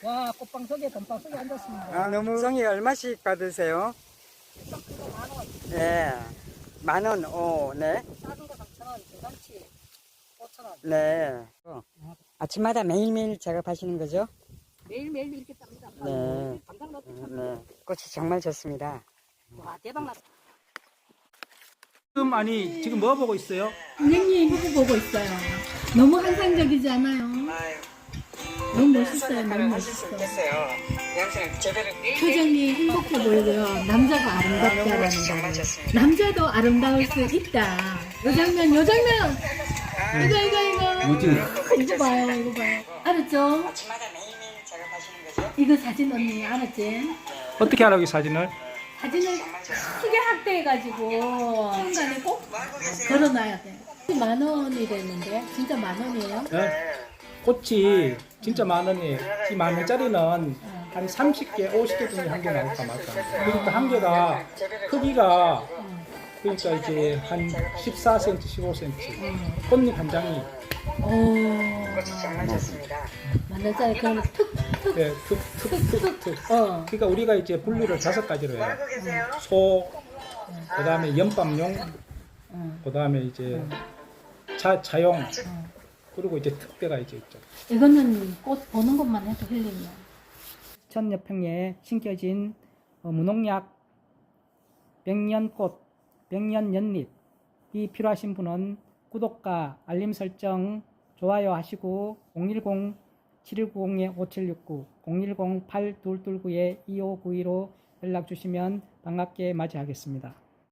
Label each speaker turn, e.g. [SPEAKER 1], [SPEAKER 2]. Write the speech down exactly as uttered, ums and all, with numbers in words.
[SPEAKER 1] 와, 꽃방 속에 돈방 속에 앉았습니다.
[SPEAKER 2] 아, 너무 송이 얼마씩 받으세요?
[SPEAKER 1] 만 원,
[SPEAKER 2] 네. 만 원, 오, 네.
[SPEAKER 1] 작은 거 삼천 원, 대잔치 오천 원.
[SPEAKER 2] 네. 어. 아침마다 매일매일 작업하시는 거죠?
[SPEAKER 1] 매일매일 이렇게 짭니다.
[SPEAKER 2] 네.
[SPEAKER 1] 감당 높이 참.
[SPEAKER 2] 네. 꽃이 정말 좋습니다.
[SPEAKER 1] 와, 대박 났다.
[SPEAKER 3] 지금 아니 지금 뭐 보고 있어요?
[SPEAKER 4] 선생님 후보 보고 있어요. 너무 환상적이지 않아요? 너무 멋있어요. 너무 멋있어. 표정이 행복해 보이고요. 남자가 아름답다라는 거. 남자도 아름다울 수 있다. 요 장면, 요 장면. 이거 이거 이거.
[SPEAKER 3] 뭐지?
[SPEAKER 4] 이거 봐요, 이거 봐요. 알았죠?
[SPEAKER 2] 아침마다 매일매일 작업하시는 거죠?
[SPEAKER 4] 이거 사진 언니 알았지?
[SPEAKER 3] 어떻게 하라고 이 사진을?
[SPEAKER 4] 사진을 크게 확대해가지고 순간에 꼭 걸어놔야 돼. 만 원이랬는데 진짜 만 원이에요?
[SPEAKER 3] 네? 꽃이 진짜 만 원이에요. 이 만 원짜리는 한 삼십 개, 오십 개 중에 한 개 나올까 말까. 그러니까 한 개가 크기가 그러니까 이제 한 십사 센티미터, 십오 센티미터. 꽃잎 한 장이
[SPEAKER 4] 오,
[SPEAKER 2] 정말 좋습니다.
[SPEAKER 4] 만 원짜리 그러면 툭 툭.
[SPEAKER 3] 네, 툭, 툭, 툭, 툭.
[SPEAKER 4] 어.
[SPEAKER 3] 그러니까 우리가 이제 분류를 다섯 가지로 해요. 소, 그 다음에 연밥용, 그 다음에 이제 자, 자용, 그리고 이제 특배가 이제 있죠.
[SPEAKER 4] 이거는 꽃 보는 것만 해도 힐링이야.
[SPEAKER 1] 천여평에 심겨진 어, 무농약 백년꽃, 백년연잎 이 필요하신 분은 구독과 알림 설정, 좋아요 하시고 공일공 칠일구공 오칠육구, 공일공 팔이이구 이오구이로 연락 주시면 반갑게 맞이하겠습니다.